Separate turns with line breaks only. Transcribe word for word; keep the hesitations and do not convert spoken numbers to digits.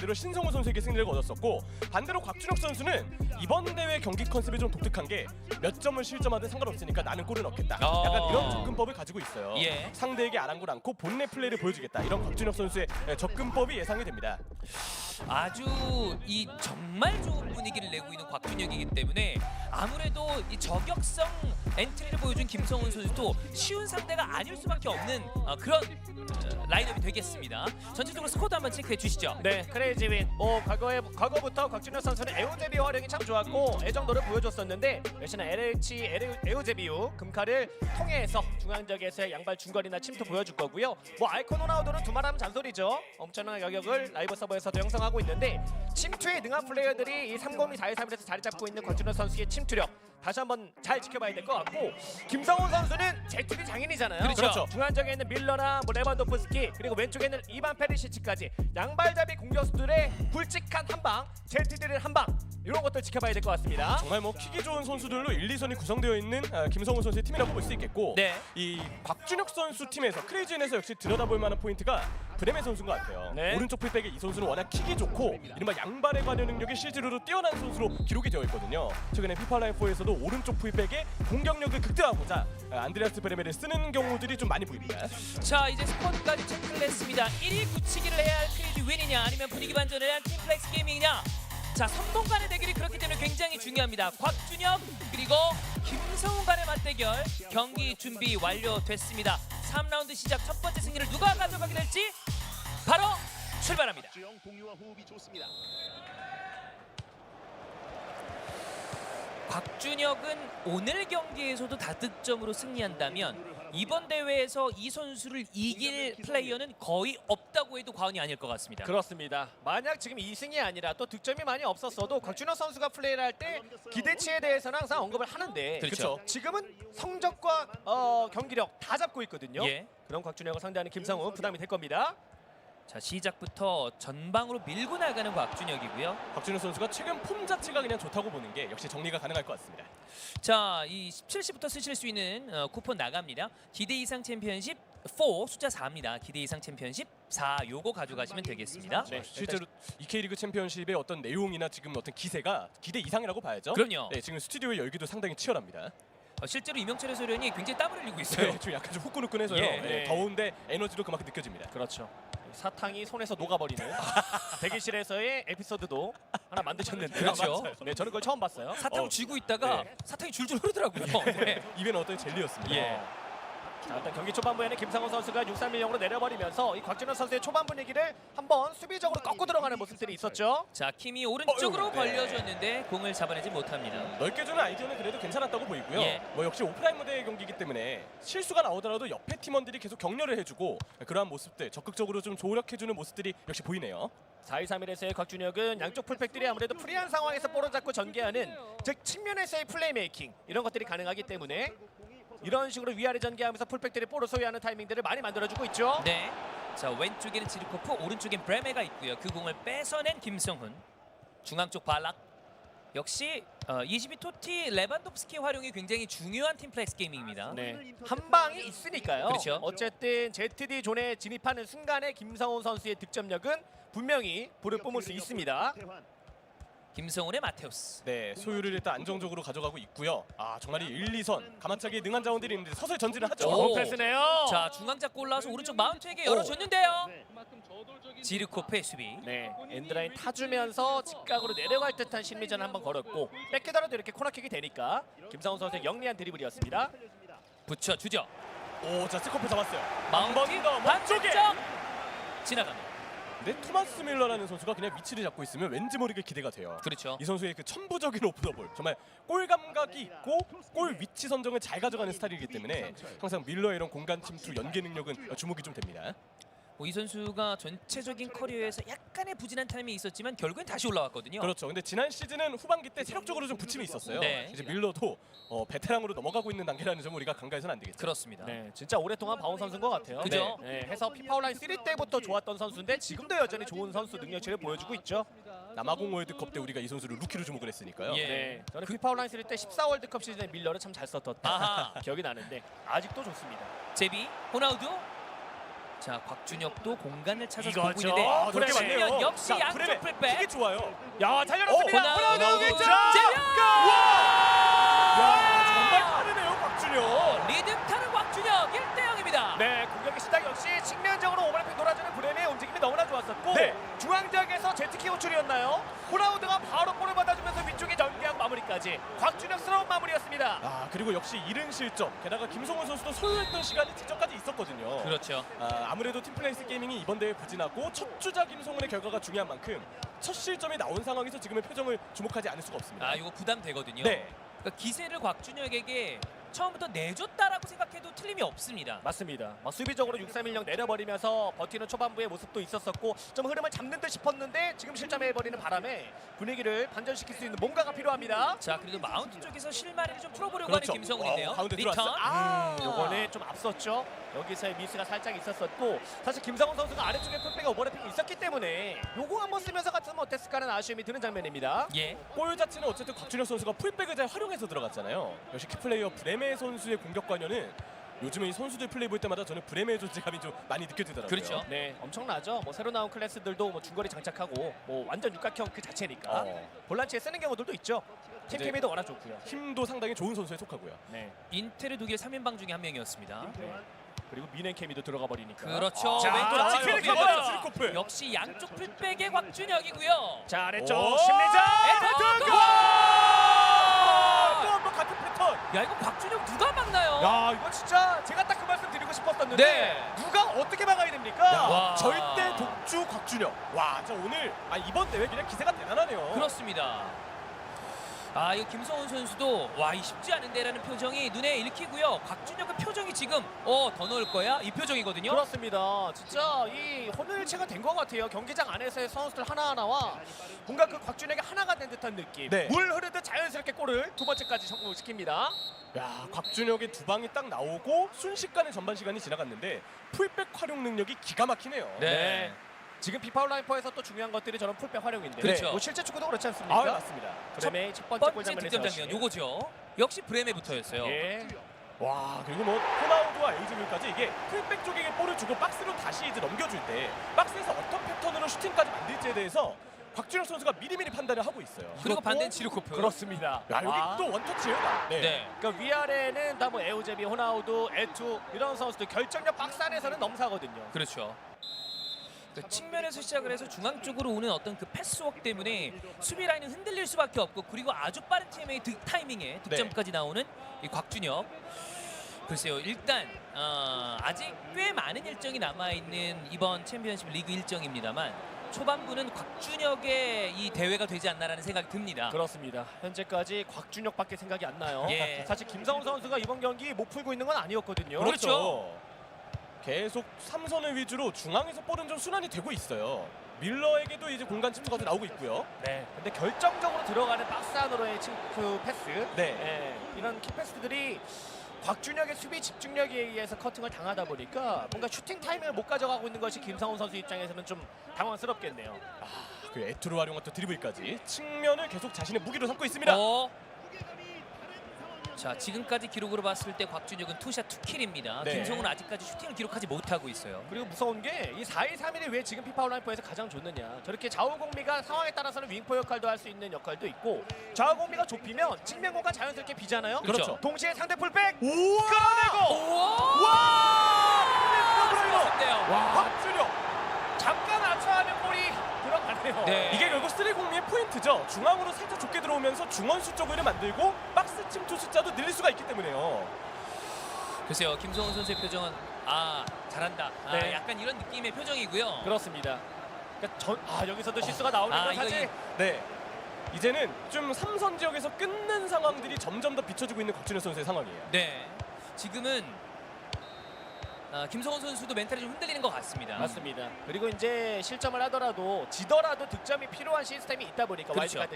상대로 신성우 선수에게 승리를 거뒀었고 반대로 곽준혁 선수는 이번 대회 경기 컨셉이 좀 독특한 게 몇 점을 실점하든 상관없으니까 나는 골을 넣겠다.
어.
약간 이런 접근법을 가지고 있어요.
예.
상대에게 아랑곳 않고 본래 플레이를 보여주겠다. 이런 곽준혁 선수의 접근법이 예상이 됩니다.
아주 이 정말 좋은 분위기를 내고 있는 곽준혁이기 때문에 아무래도 이 저격성 엔트리를 보여준 김성훈 선수도 쉬운 상대가 아닐 수밖에 없는 어, 그런 어, 라인업이 되겠습니다. 전체적으로 스코어도 한번 체크해 주시죠.
네, 크레이지 윈. 뭐 과거에 과거부터 곽준혁 선수는 에우제비 활용이 참 좋았고 애정도를 보여줬었는데 역시나 엘에이치 에우제비우 금칼을 통해서 중앙적에서의 양발 중거리나 침투 보여줄 거고요. 뭐 아이콘 호나우도는 두말하면 잔소리죠. 엄청난 가격을 라이브 서버에서도 형성하고 있는데 침투에 능한 플레이어들이 이 삼공이 사이삼일에서 자리 잡고 있는 곽준혁 선수의 침투력 다시 한번 잘 지켜봐야 될 것 같고 김성훈 선수는 제트리 장인이잖아요.
그렇죠.
그렇죠.
중앙쪽에 있는 밀러나 뭐 레반도프스키 그리고 왼쪽에 있는 이반 페리시치까지 양발잡이 공격수들의 굵직한 한방, 제트들의 한방 이런 것들 지켜봐야 될 것 같습니다.
정말 뭐 킥이 좋은 선수들로 일, 이 선이 구성되어 있는 아, 김성훈 선수의 팀이라고 볼 수 있겠고
네.
이 곽준혁 선수 팀에서 크레이지엔에서 역시 들여다볼 만한 포인트가 브레멘 선수인 것 같아요.
네.
오른쪽 풀백의 이 선수는 워낙 킥이 좋고 이른바 양발의 관여 능력이 실제로도 뛰어난 선수로 기록이 되어 있거든요. 최근에 피파 라이프에서도 오른쪽 풀백의 공격력을 극대화하고자 아, 안드레아스 브레멘을 쓰는 경우들이 좀 많이 보입니다.
자, 이제 스코어까지 체크를 했습니다. 일 위 굳히기를 해야 할 크레이지 윈이냐 아니면 분위기 반전을 해야 할 팀플렉스 게이밍이냐. 자, 선봉 간의 대결이 그렇기 때문에 굉장히 중요합니다. 곽준혁 그리고 김성훈 간의 맞대결 경기 준비 완료됐습니다. 삼 라운드 시작 첫 번째 승리를 누가 가져가게 될지 바로 출발합니다.
동료와 호흡이 좋습니다.
곽준혁은 오늘 경기에서도 다득점으로 승리한다면 이번 대회에서 이 선수를 이길 플레이어는 거의 없다고 해도 과언이 아닐 것 같습니다.
그렇습니다. 만약 지금 이 승이 아니라 또 득점이 많이 없었어도 곽준혁 선수가 플레이를 할 때 기대치에 대해서는 항상 언급을 하는데
그렇죠.
지금은 성적과 어, 경기력 다 잡고 있거든요.
예.
그럼 곽준혁을 상대하는 김성훈 부담이 될 겁니다.
자, 시작부터 전방으로 밀고 나가는 곽준혁이고요.
곽준혁 선수가 최근 폼 자체가 그냥 좋다고 보는 게 역시 정리가 가능할 것 같습니다.
자, 이 십칠 시부터 쓰실 수 있는 어, 쿠폰 나갑니다. 기대 이상 챔피언십 사 숫자 사입니다. 기대 이상 챔피언십 사 요거 가져가시면 되겠습니다.
네, 실제로 이 K리그 챔피언십의 어떤 내용이나 지금 어떤 기세가 기대 이상이라고 봐야죠.
그럼요.
네, 지금 스튜디오의 열기도 상당히 치열합니다.
어, 실제로 이명철 해설위원이 굉장히 땀을 흘리고 있어요.
네, 지금 약간 좀 후끈후끈해서요.
예.
네, 더운데 에너지도 그만큼 느껴집니다.
그렇죠. 사탕이 손에서 녹아버리는 대기실에서의 에피소드도 하나 만드셨는데
그렇죠.
네, 저는 그걸 처음 봤어요.
사탕을
어,
쥐고 있다가
네.
사탕이 줄줄 흐르더라고요. 네.
입에는 어떤 젤리였습니다.
예.
자, 일단 경기 초반부에는 김상훈 선수가 육 삼 일 영으로 내려버리면서 이 곽준혁 선수의 초반 분위기를 한번 수비적으로 꺾고 들어가는 모습들이 있었죠.
자, 킴이 오른쪽으로
어휴, 네.
벌려줬는데 공을 잡아내지 못합니다.
넓게 주는 아이디어는 그래도 괜찮았다고 보이고요.
예.
뭐 역시 오프라인 무대의 경기이기 때문에 실수가 나오더라도 옆에 팀원들이 계속 격려를 해주고 그러한 모습들 적극적으로 좀 조력해주는 모습들이 역시 보이네요.
사 이 삼 일에서의 곽준혁은 양쪽 풀백들이 아무래도 프리한 상황에서 볼을 잡고 전개하는 즉 측면에서의 플레이메이킹 이런 것들이 가능하기 때문에 이런 식으로 위아래 전개하면서 풀백들이 볼을 소유하는 타이밍들을 많이 만들어주고 있죠.
네. 자, 왼쪽에는 지르코프, 오른쪽엔 브레메가 있고요. 그 공을 뺏어낸 김성훈. 중앙 쪽 발락. 역시 어, 이십이 토티 레반도프스키 활용이 굉장히 중요한 팀플렉스 게이밍입니다.
네. 한 방이 있으니까요.
그렇죠.
어쨌든 제트디 존에 진입하는 순간에 김성훈 선수의 득점력은 분명히 불을 뿜을 수 있습니다.
김성훈의 마테우스.
네, 소유를 일단 안정적으로 가져가고 있고요. 아 정말 이 일, 이 선 가만차게 능한 자원들이 있는데 서서히 전진을 하죠.
오.
좋은 패스네요.
자, 중앙 잡고 올라와서 오른쪽 마운트에게 열어줬는데요. 지르코프의 수비.
네, 엔드라인 타주면서 직각으로 내려갈 듯한 심리전 한번 걸었고 뺏기더라도 이렇게 코너킥이 되니까 김상훈 선수의 영리한 드리블이었습니다.
붙여주죠.
오, 자 스코프 잡았어요.
마운트
한번더
반쪽에
몸쪽에.
지나갑니다.
근데 토마스 밀러라는 선수가 그냥 위치를 잡고 있으면 왠지 모르게 기대가 돼요.
그렇죠.
이 선수의 그 천부적인 오프더볼 정말 골 감각이 있고 골 위치 선정을 잘 가져가는 스타일이기 때문에 항상 밀러의 이런 공간 침투 연계 능력은 주목이 좀 됩니다.
뭐 이 선수가 전체적인 커리어에서 약간의 부진한 타임이 있었지만 결국엔 다시 올라왔거든요.
그렇죠. 근데 지난 시즌은 후반기 때 체력적으로 좀 부침이 있었어요.
네.
이제 밀러도 어, 베테랑으로 넘어가고 있는 단계라는 점을 우리가 간과해서는 안 되겠죠.
그렇습니다.
네, 진짜 오랫동안 봐온 선수인 것 같아요.
그죠?
네, 네, 해서 피파 온라인 삼 때부터 좋았던 선수인데 지금도 여전히 좋은 선수 능력치를 보여주고 있죠.
남아공 월드컵 때 우리가 이 선수를 루키로 주목을 했으니까요.
예.
네, 저는 피파 온라인 삼 때 십사 월드컵 시즌에 밀러를 참 잘 썼던
아하.
기억이 나는데 아직도 좋습니다.
제비, 호나우두. 자, 곽준혁도 공간을 찾아서
이거죠.
보고 있는데
아,
그렇게
브레멘.
많네요.
측면 역시
자,
양쪽
브레멘.
풀백.
이게 좋아요.
야, 달려났습니다.
어,
호나우두
호나우두
왼쪽.
재현!
야, 정말 빠르네요, 곽준혁.
리듬 타는 곽준혁 일 대 영입니다.
네, 공격의 시작 역시 측면적으로 오버래핑 돌아주는 브레멘의 움직임이 너무나 좋았었고
네.
중앙 지역에서 제트키 호출이었나요? 호나우드가 바로 볼을 받아주면서 위쪽에 전개한 마무리까지 곽준혁스러운 마무리였습니다.
아, 그리고 역시 이른 실점. 게다가 김성훈 선수도 소요했던 시간이 직전까지 있었거든요.
그렇죠.
아, 아무래도 팀플레이스 게이밍이 이번 대회 부진하고 첫 주자 김성훈의 결과가 중요한 만큼 첫 실점이 나온 상황에서 지금의 표정을 주목하지 않을 수가 없습니다.
아, 이거 부담되거든요.
네.
그러니까 기세를 곽준혁에게 처음부터 내줬다라고 생각해도 틀림이 없습니다.
맞습니다. 막 수비적으로 육 삼 일 영 내려버리면서 버티는 초반부의 모습도 있었었고 좀 흐름을 잡는 듯 싶었는데 지금 실점해버리는 바람에 분위기를 반전시킬 수 있는 뭔가가 필요합니다.
자, 그래도 마운트 쪽에서 실마리를 좀 풀어보려고
그렇죠.
하는 김성훈인데요.
어, 가운데
리턴.
들어왔어요. 아,
요거는 좀 앞섰죠. 여기서의 미스가 살짝 있었었고 사실 김성훈 선수가 아래쪽에 풀백에 오버래핑이 있었기 때문에 요거 한번 쓰면서 같으면 어땠을까 하는 아쉬움이 드는 장면입니다.
예.
골 자체는 어쨌든 곽준혁 선수가 풀백을 잘 활용해서 들어갔잖아요. 역시 키플레이어 브레메 선수의 공격 관여는 요즘에 이 선수들 플레이 볼 때마다 저는 브레메의 존재감이 좀 많이 느껴지더라고요.
그렇죠.
네, 엄청나죠. 뭐 새로 나온 클래스들도 뭐 중거리 장착하고 뭐 완전 육각형 그 자체니까
어,
볼란치에 쓰는 경우들도 있죠. 팀
이제-
케미도 워낙 좋고요.
힘도 상당히 좋은 선수에 속하고요.
네.
인테르 독일 삼 인방 중에 한 명이었습니다.
네. 그리고 미넨 케미도 들어가 버리니까.
그렇죠.
자,
왼쪽
아,
측면
트리코프!
밀어요.
트리코프.
역시 양쪽 풀백의 곽준혁이고요.
자, 아래쪽
오!
심리전.
에토!
와! 또 한 번 같은 패턴.
야, 이거 곽준혁 누가 막나요?
야, 이거 진짜 제가 딱 그 말씀 드리고 싶었었는데
네.
누가 어떻게 막아야 됩니까?
야,
와.
절대 독주 곽준혁. 와, 저 오늘 아, 이번 대회 그냥 기세가 대단하네요.
그렇습니다. 아, 이거 김성훈 선수도 와, 이 쉽지 않은데라는 표정이 눈에 읽히고요. 곽준혁의 표정이 지금 어, 더 넣을 거야? 이 표정이거든요.
그렇습니다. 진짜 이 혼혈체가 된 것 같아요. 경기장 안에서의 선수들 하나하나와 뭔가 그 곽준혁이 하나가 된 듯한 느낌.
네.
물 흐르듯 자연스럽게 골을 두 번째까지 성공시킵니다.
야, 곽준혁의 두 방이 딱 나오고 순식간에 전반 시간이 지나갔는데 풀백 활용 능력이 기가 막히네요.
네.
지금 피파 온라인포에서 또 중요한 것들이 저런 풀백 활용인데
그렇죠.
뭐 실제 축구도 그렇지 않습니까?
아, 맞습니다.
브레메의 첫
첫
번째 골
번째
장면에서
득점 장면 요거죠. 역시 브레메부터였어요.
예.
와, 그리고 뭐 호나우드와 에이즈밀까지 이게 풀백 쪽에게 볼을 주고 박스로 다시 이제 넘겨줄 때 박스에서 어떤 패턴으로 슈팅까지 만들지에 대해서 곽준혁 선수가 미리미리 판단을 하고 있어요.
그리고
그렇고
반대는 지르코프.
그렇습니다.
야, 여기
아.
또 원터치예요. 다. 네.
네.
그러니까 위아래는 다 뭐 에우제비, 호나우두, 에투 이런 선수들 결정력 박스 안에서는 넘사거든요.
그렇죠. 그 측면에서 시작을 해서 중앙 쪽으로 오는 어떤 그 패스워크 때문에 수비 라인은 흔들릴 수밖에 없고 그리고 아주 빠른 팀의 득 타이밍에 득점까지 나오는 이 곽준혁. 글쎄요, 일단 어, 아직 꽤 많은 일정이 남아 있는 이번 챔피언십 리그 일정입니다만 초반부는 곽준혁의 이 대회가 되지 않나라는 생각이 듭니다.
그렇습니다. 현재까지 곽준혁밖에 생각이 안 나요.
예.
사실 김성훈 선수가 이번 경기 못 풀고 있는 건 아니었거든요.
그렇죠.
그렇죠. 계속 삼선을 위주로 중앙에서 볼은 좀 순환이 되고 있어요. 밀러에게도 이제 공간 침투가 좀 나오고 있고요.
네. 근데 결정적으로 들어가는 박스 안으로의 침- 그 패스,
네.
예, 이런 키 패스들이 곽준혁의 수비 집중력에 의해서 커팅을 당하다 보니까 뭔가 슈팅 타이밍을 못 가져가고 있는 것이 김성훈 선수 입장에서는 좀 당황스럽겠네요.
그 에투로 활용한 또 드리블까지 측면을 계속 자신의 무기로 삼고 있습니다.
어. 자, 지금까지 기록으로 봤을 때 곽준혁은 투샷 투킬입니다.
네.
김성훈은 아직까지 슈팅을 기록하지 못하고 있어요.
그리고 무서운 게 이 사 이 삼 일이 왜 지금 피파 온라인포에서 가장 좋느냐. 저렇게 좌우공미가 상황에 따라서는 윙포 역할도 할 수 있는 역할도 있고 좌우공미가 좁히면 측면 공간 자연스럽게 비잖아요.
그렇죠.
동시에 상대 풀백
우와!
끌어내고
우와!
와!
좋은데요.
와, 곽준혁.
잠깐 아차하는 볼이 들어가네요.
네.
이게 결국 쓰리공미의 포인트죠. 중앙으로 살짝 좁게 들어오면서 중원수 쪽을 만들고 박스 침투 숫자도 늘릴 수가 있기 때문에요.
글쎄요, 김성훈 선수의 표정은 아, 잘한다. 아,
네.
약간 이런 느낌의 표정이고요.
그렇습니다. 그러니까 전, 아 여기서도 실수가 나오는
아,
건
이거
사실
네. 이제는 좀 삼선 지역에서 끊는 상황들이 점점 더 비춰지고 있는 곽준혁 선수의 상황이에요.
네. 지금은 아, 김성훈 선수도 멘탈이 좀 흔들리는 것 같습니다.
맞습니다. 그리고 이제 실점을 하더라도 지더라도 득점이 필요한 시스템이 있다 보니까
그렇죠.
와일드카드